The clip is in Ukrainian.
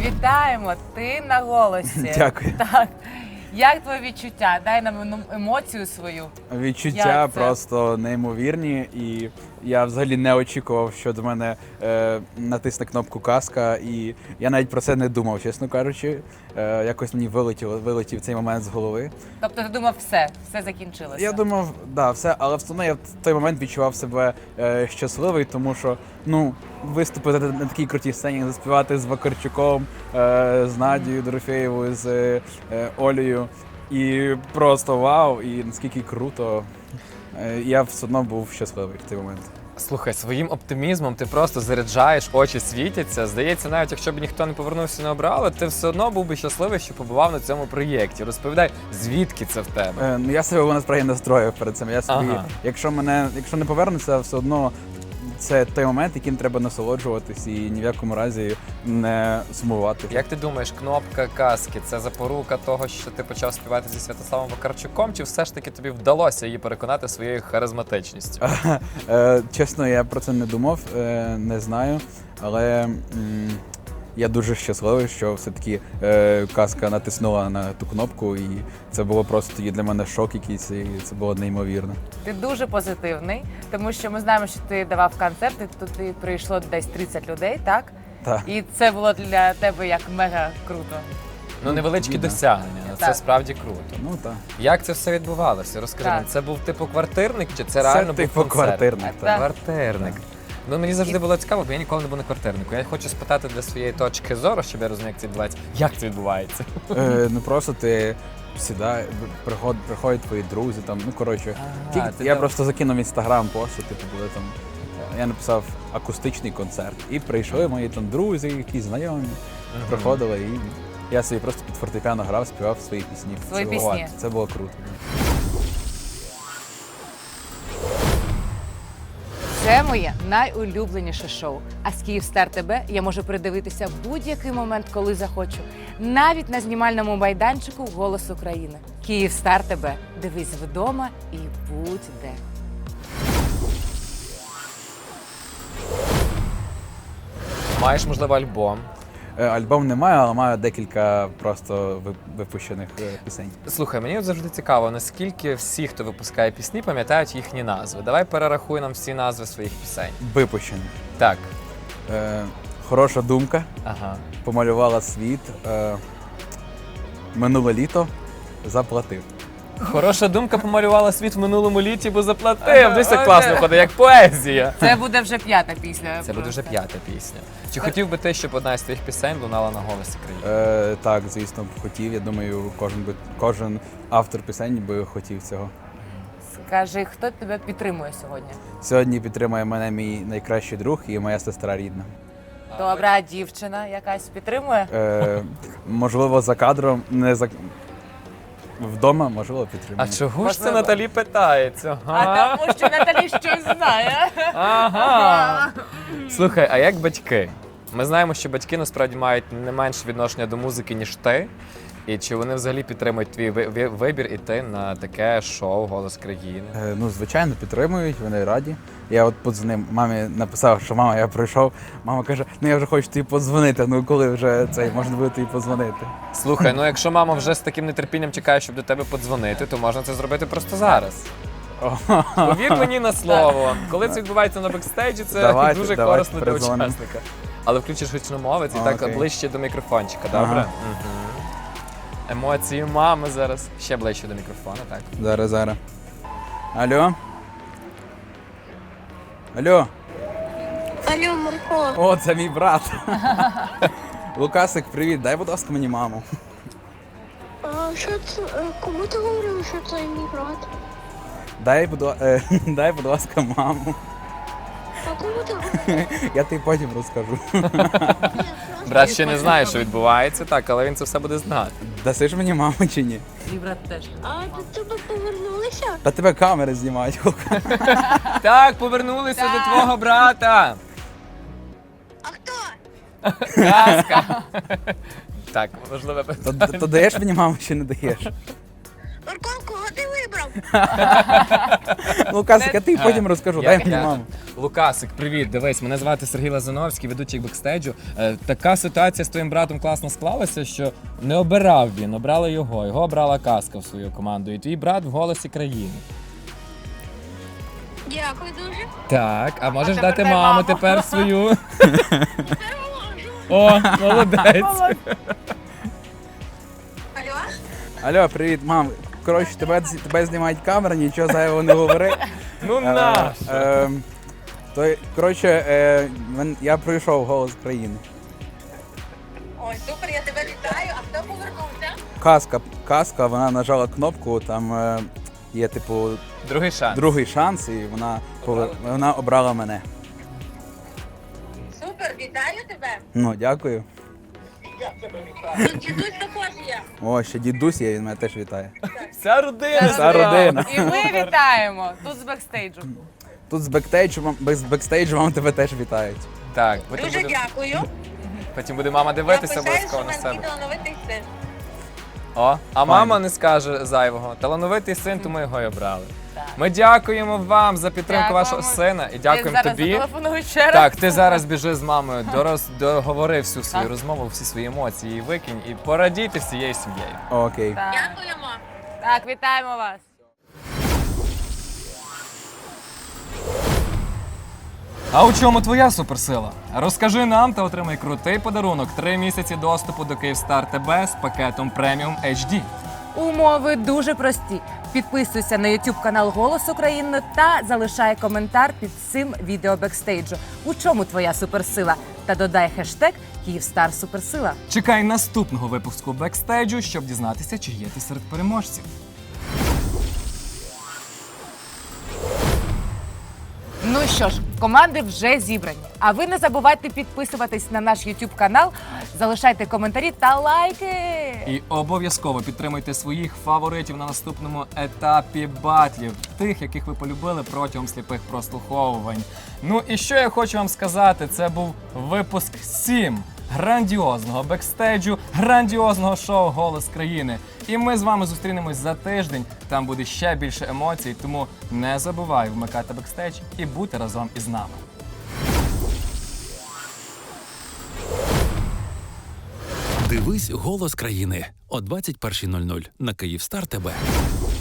Вітаємо! Ти на голосі. Дякую. Так. Як твої відчуття? Дай нам емоцію свою. Відчуття Як це? просто неймовірні, і я взагалі не очікував, що до мене натисне кнопку казка, і я навіть про це не думав, чесно кажучи. Якось мені вилетів цей момент з голови. Тобто ти думав, все закінчилося? Я думав, да, все, але все одно я в той момент відчував себе щасливий, тому що виступити на такій крутій сцені, заспівати з Вакарчуком, з Надією Дорофєєвою, з Олею. І просто вау, і наскільки круто. Я все одно був щасливий в той момент. Слухай, своїм оптимізмом ти просто заряджаєш, очі світяться. Здається, навіть якщо б ніхто не повернувся і не обрали, ти все одно був би щасливий, що побував на цьому проєкті. Розповідай, звідки це в тебе? Я себе насправді настроїв перед цим. Я собі, Ага. якщо не повернуться, все одно це той момент, яким треба насолоджуватись і ні в якому разі не сумувати. Як ти думаєш, кнопка казки – це запорука того, що ти почав співати зі Святославом Вакарчуком, чи все ж таки тобі вдалося її переконати своєю харизматичністю? Чесно, я про це не думав, не знаю, але я дуже щасливий, що все-таки казка натиснула на ту кнопку, і це було просто тоді для мене шок якийсь, і це було неймовірно. Ти дуже позитивний, тому що ми знаємо, що ти давав концерти, туди прийшло десь 30 людей, так? Так. І це було для тебе як мега круто. Ну, невеличкі Дійсно. досягнення, але це Так. справді круто. Ну так. Як це все відбувалося? Розкажи Так. мені, це був типу квартирник, чи це реально був типу концерт? квартирник, так. Квартирник. Ну, мені завжди було цікаво, бо я ніколи не був на квартирнику. Я хочу спитати для своєї точки зору, щоб я розумів, як це відбувається. Як це відбувається? Ну просто ти сідай, приходять твої друзі, там, ну коротше. Ага, ти Я там- просто закинув в інстаграм пост, що типу були там. Я написав акустичний концерт. І прийшли мої там друзі, якісь знайомі, приходили, і я собі просто під фортепіано грав, співав свої пісні. Свої Це було- пісні. Це було круто. Це моє найулюбленіше шоу. А з Київстар ТБ я можу передивитися будь-який момент, коли захочу. Навіть на знімальному майданчику «Голос України». Київстар ТБ. Дивись вдома і будь де. Маєш, можливо, альбом. Альбом немає, але маю декілька просто випущених пісень. Слухай, мені от завжди цікаво, наскільки всі, хто випускає пісні, пам'ятають їхні назви. Давай перерахуй нам всі назви своїх пісень. Випущені. Так. Хороша думка. Ага. Помалювала світ. Минуле літо. Заплатив. Хороша думка помалювала світ в минулому літі, бо заплатив. Десь так класно ходить, як поезія. Це буде вже п'ята пісня. Це буде вже п'ята пісня. Чи хотів би ти, щоб одна з твоїх пісень лунала на «Голосі країни»? Так, звісно, б хотів. Я думаю, кожен автор пісень би хотів цього. Скажи, хто тебе підтримує сьогодні? Сьогодні підтримує мене мій найкращий друг і моя сестра рідна. Добра дівчина якась підтримує? Можливо, за кадром, не за вдома, можливо, підтримує. А чого ж це Можливо. Наталі питається? А тому що Наталі щось знає. Ага. Слухай, а як батьки? Ми знаємо, що батьки насправді мають не менше відношення до музики, ніж ти. І чи вони взагалі підтримують твій вибір іти на таке шоу «Голос країни»? Ну, звичайно, підтримують, вони раді. Я от подзвонив, мамі написав, що мама, я прийшов. Мама каже, ну я вже хочу тобі подзвонити, ну коли вже можна буде тобі подзвонити. Слухай, ну якщо мама вже з таким нетерпінням чекає, щоб до тебе подзвонити, то можна це зробити просто зараз. Повір мені на слово. Коли це відбувається на бекстейджі, це Давайте, дуже давайте корисно для передзвонимо. учасника. Але включиш гучномовець і так Окей. ближче до мікрофончика, добре? Ага. Емоції мами зараз. Ще ближче до мікрофона, так. Зараз. Алло? Алло? Алло, Марко. О, це мій брат. Лукасик, привіт, дай, будь ласка, мені маму. А що це? Кому ти говорив, що це мій брат? Дай, будь ласка, маму. А кому ти говорив? Я тобі потім розкажу. Брат ще не знає, що відбувається, так, але він це все буде знати. Даси ж мені маму чи ні? І брат теж. А до тебе повернулися? Та тебе камери знімають. Так, повернулися до твого брата. А хто? Казка. Так, можливо, То даєш мені маму чи не даєш? Марко, кого ти вибрав? Лукасик, а ти потім розкажу, дай мені маму. Лукасик, привіт, дивись, мене звати Сергій Лазановський, ведучий бекстейджу. Така ситуація з твоїм братом класно склалася, що не обирав він, обрала його. Його обрала Казка в свою команду. І твій брат в «Голосі країни». Дякую дуже. Так, а можеш тепер дати дай маму маму. тепер свою? Тепер можу. О, молодець. Алло? Алло, привіт, мам. Коротше, тебе знімають камери, нічого зайвого не говори. Ну на. Я пройшов «Голос країни». Ой, супер, я тебе вітаю. А хто повернувся? Казка, вона нажала кнопку, там є, типу, Другий шанс. другий шанс, і вона обрала мене. Супер, вітаю тебе. Ну, дякую. Тут дідусь також є. О, ще дідусь є, він мене теж вітає. Вся родина. Вся родина. І ми вітаємо тут з бекстейджу. Тут з бекстейджу вам тебе теж вітають. Так, Дуже дякую. потім буде мама Я дивитися пишаюсь, обов'язково що на в себе. мене талановитий син. О, а мама не скаже зайвого. Талановитий син, тому його й обрали. Ми дякуємо вам за підтримку Дякуємо. вашого сина і дякуємо Я зараз тобі. зателефоную ще раз. Так, ти зараз біжи з мамою, договори всю свою розмову, всі свої емоції, викинь і порадійте всією сім'єю. Окей. Так. Дякуємо. Так, вітаємо вас. А у чому твоя суперсила? Розкажи нам та отримай крутий подарунок. 3 місяці доступу до Київстар ТБ з пакетом преміум HD. Умови дуже прості. Підписуйся на YouTube канал «Голос України» та залишай коментар під цим відео бекстейджу. У чому твоя суперсила? Та додай хештег «Київстар Суперсила». Чекай наступного випуску бекстейджу, щоб дізнатися, чи є ти серед переможців. Ну що ж, команди вже зібрані. А ви не забувайте підписуватись на наш YouTube канал, залишайте коментарі та лайки. І обов'язково підтримуйте своїх фаворитів на наступному етапі батлів, тих, яких ви полюбили протягом сліпих прослуховувань. Ну і що я хочу вам сказати, це був випуск 7 грандіозного бекстейджу, грандіозного шоу «Голос країни». І ми з вами зустрінемось за тиждень, там буде ще більше емоцій, тому не забувай вмикати бекстейдж і бути разом із нами. Дивись «Голос країни» о 21:00 на Київстар ТБ.